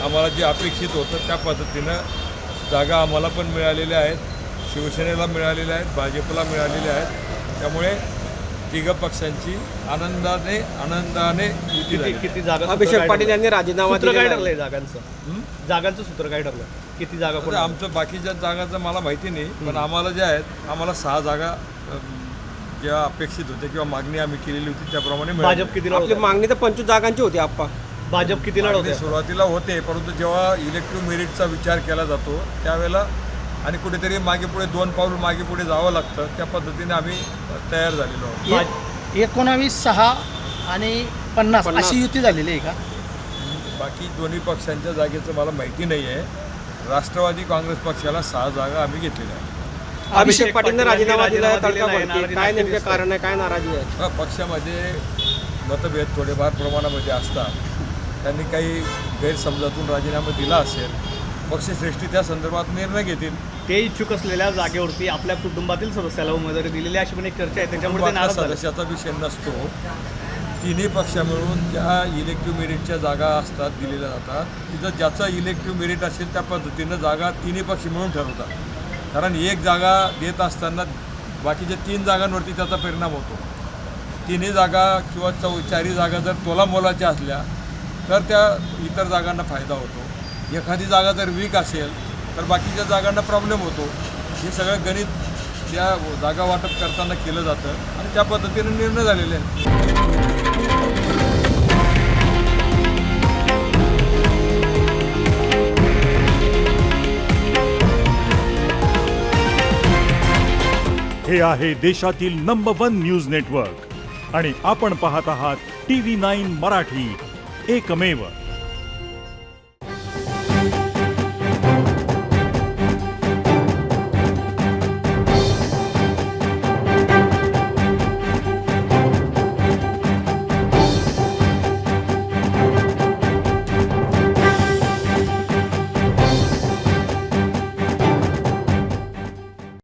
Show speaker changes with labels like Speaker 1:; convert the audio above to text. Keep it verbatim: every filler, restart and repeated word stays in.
Speaker 1: आम्हाला जे अपेक्षित होतं त्या पद्धतीनं जागा आम्हाला पण मिळालेल्या आहेत, शिवसेनेला मिळालेल्या आहेत, भाजपला मिळालेल्या आहेत. त्यामुळे तिघ पक्षांची आनंदाने आनंदाने युती झाली.
Speaker 2: किती जागा
Speaker 3: अभिषेक पाटील यांनी राजीनामा
Speaker 2: सूत्र काय
Speaker 3: दिलेला
Speaker 2: ठरलंय जागांचं जागांचं सूत्र काय ठरलं किती जागा
Speaker 1: आता आमचं बाकीच्या जागांचं मला माहिती नाही, पण आम्हाला ज्या आहेत आम्हाला सहा जागा अम, ज्या अपेक्षित होत्या किंवा मागणी आम्ही केलेली होती त्याप्रमाणे मिळाली.
Speaker 2: भाजप किती
Speaker 3: आपली मागणी तर पंचवीस जागांची होती आप्पा.
Speaker 2: भाजप किती
Speaker 1: मागणी
Speaker 2: लढवते
Speaker 1: सुरुवातीला होते, परंतु जेव्हा इलेक्टिव्ह मेरिटचा विचार केला जातो त्यावेळेला आणि कुठेतरी मागे पुढे दोन पाऊल मागे पुढे जावं लागतं, त्या पद्धतीने आम्ही तयार झालेलो आहोत.
Speaker 4: एकोणावीस सहा आणि पन्नास
Speaker 3: पन्नास.
Speaker 4: अशी युती झालेली आहे का?
Speaker 1: बाकी दोन्ही पक्षांच्या जागेचं मला माहिती नाही आहे. राष्ट्रवादी काँग्रेस पक्षाला सहा जागा आम्ही घेतलेल्या आहेत.
Speaker 3: अभिषेक पाटीलने
Speaker 2: पाटील यांनी
Speaker 3: राजीनामा दिला
Speaker 2: राजीनामा
Speaker 3: तडका
Speaker 2: दिलेला आहे.
Speaker 3: पडते. काय नेमके कारण आहे, काय नाराजी आहे?
Speaker 1: हा, पक्षामध्ये मतभेद थोडेफार प्रमाणामध्ये असतात. त्यांनी काही गैरसमजातून राजीनामा दिला असेल, पक्षश्रेष्ठी त्या संदर्भात निर्णय घेतील.
Speaker 2: ते इच्छुक असलेल्या जागेवरती आपल्या कुटुंबातील सदस्याला उमेदवारी दिलेली अशी पण एक चर्चा आहे, त्याच्यामुळे ते
Speaker 1: कुटुंबातल्या
Speaker 2: नाराज झाले.
Speaker 1: सदस्याचा विषय नसतो. तिन्ही पक्ष मिळून ज्या इलेक्टिव्ह मेरिटच्या जागा असतात दिलेल्या जातात, तिथं ज्याचं इलेक्टिव्ह मेरिट असेल त्या पद्धतीनं जागा तिन्ही पक्ष मिळून ठरवतात. कारण एक जागा देत असताना बाकीच्या तीन जागांवरती त्याचा परिणाम होतो. तिन्ही जागा किंवा चौ चारही जागा जर तोलामोलाच्या असल्या तर त्या इतर जागांना फायदा होतो. एखादी जागा जर वीक असेल तर बाकीच्या जागांना प्रॉब्लेम होतो. हे सगळं गणित त्या जागा वाटप करताना केलं जातं आणि त्या पद्धतीने निर्णय झालेले आहेत.
Speaker 5: हे आहे देशातील नंबर वन न्यूज नेटवर्क आणि आपण पाहत आहात टी व्ही नाईन मराठी, एकमेव.